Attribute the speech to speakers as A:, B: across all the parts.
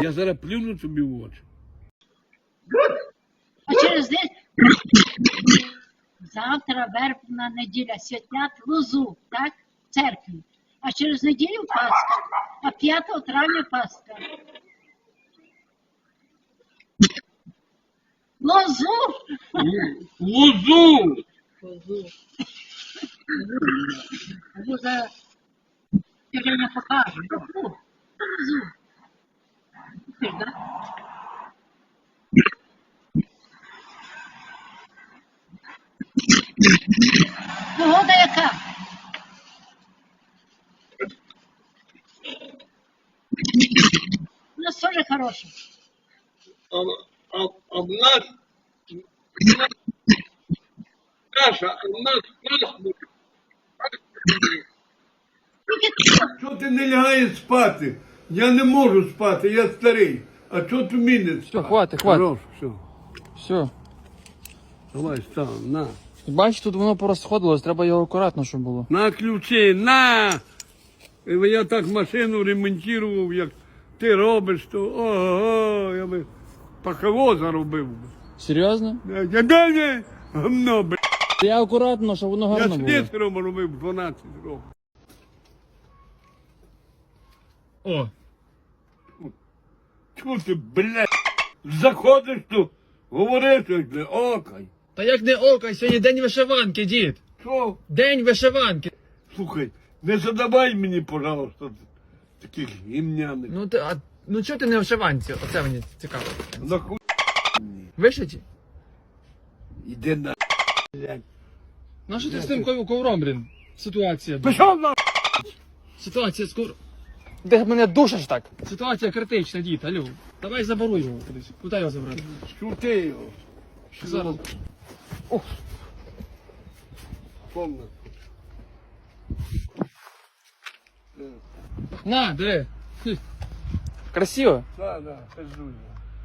A: Я зараз плюну тобі в очі.
B: А через день завтра вербна неділя святлять лозу, так? В церкві. А через неділю Пасха, а 5 травня Пасха. Лозу!
A: Лозу!
B: Лозу. Лоза, я вже не покажу. Лозу. Ти ж, да? Погода яка? У нас тоже хорошая.
A: А в нас каша, а в нас пасмурно. Що ти не лягаєш спати? Я не можу спати, я старий. А що ти міниш?
C: Все, хватить, хватить.
A: Хорош, все.
C: Все.
A: Давай, став, на.
C: Бачиш, тут воно порозходилось, треба його акуратно, щоб було.
A: На ключі, на! Я так машину ремонтував, як ти робиш, то ого, я би паховоза робив.
C: Серйозно?
A: Я гамно, б***.
C: Я акуратно, щоб воно
A: Я
C: гарно було.
A: слесарем робив 12 років.
C: О,
A: Чого ти, блядь, заходиш тут, говориш, окай.
C: та як не око, сьогодні день вишиванки, дід.
A: Що?
C: День вишиванки.
A: Слухай, не задавай мені, пожалуйста, таких гімняних.
C: Ну чого ти не в вишиванці? Оце мені цікаво.
A: Нахуй,
C: Вишиті?
A: іди на, блядь.
C: Ну що ти з тим ковром, блін? Ситуація.
A: Пішов на,
C: Ситуація скоро. Ти мене душиш так? Ситуація критична, дід, алло. Давай заборуй його кудись. Куди його забрати?
A: шути його.
C: Зараз.
A: Помна.
C: На, диви. Хм. Красиво.
A: Да, пиздуй.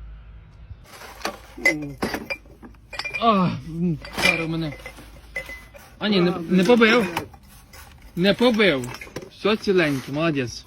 C: Зараз мене. А ні, не побив. Не побив. Все ціленьке, молодець.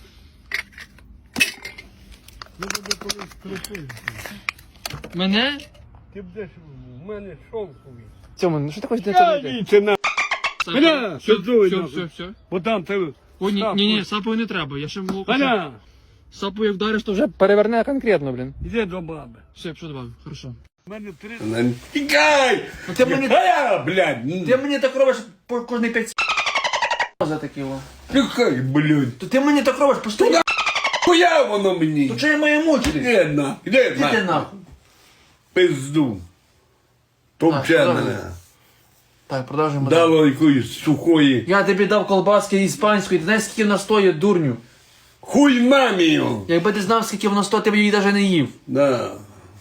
C: Мене?
A: Ти будеш в мене шовковий.
C: Цьому, ну що ти хочеш
A: Я
C: це
A: віце на. Гля, пиздуй,
C: все,
A: нахуй.
C: все.
A: Бо там ти...
C: О, ні, сапою не треба, я ще можу.
A: Гля,
C: Сапою як вдариш, то вже переверне конкретно, блін.
A: іди до баби.
C: Все, що добавив, хорошо.
A: У мене 3... Тікай!
C: Ти мені,
A: Яка, блядь?
C: ти мені так робиш по кожний 5 за такі о.
A: Тікай, блядь.
C: То ти мені так робиш постійно.
A: Хуя воно мені?
C: То чого я маю мучитись?
A: Іди на, іди
C: Іди ти
A: на.
C: нахуй.
A: Пизду. Товче
C: продовжуй.
A: мене.
C: Так, продовжуємо.
A: Дало якоїсь сухої.
C: Я тобі дав колбаски іспанської, ти знаєш, скільки вона стоїть, дурню?
A: Хуй мамі його.
C: Якби ти знав, скільки вона стоїть, ти б її навіть не їв.
A: Да.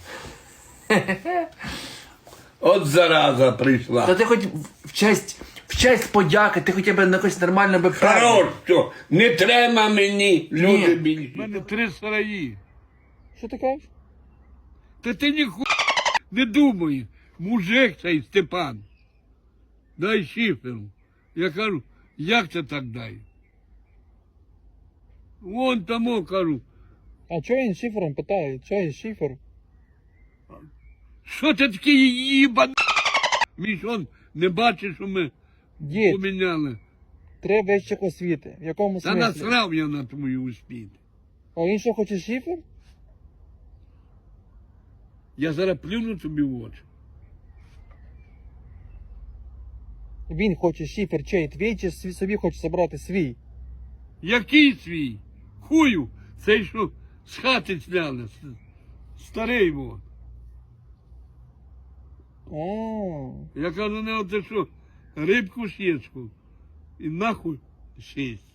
A: От зараза прийшла.
C: Та ти хоч в честь подяки, ти хоча б на якось нормально би
A: Хорош, що не треба мені, люди
C: Ні.
A: більше. У мене 3 сараї.
C: Що ти кажеш?
A: Та ти ніхуя не думай. Мужик цей Степан. Дай шиферу. Я кажу, як це так дай? Вон тому кажу,
C: А чого він шифером питає? Чого він шифер?
A: що ти такий їбан? Між он не бачиш, що ми
C: Дід,
A: поміняли.
C: треба вищих освіти. В якому
A: Та
C: смислі?
A: насрав я на твою успіх.
C: А він що хоче шифер?
A: Я зараз плюну тобі в очі.
C: Він хоче шифер чей, твій чи собі хоче забрати свій?
A: Який свій? Хую, цей що з хати сняли. Старий вон.
C: А,
A: Я кажу, не оце що, рибку сєчку. І нахуй шість.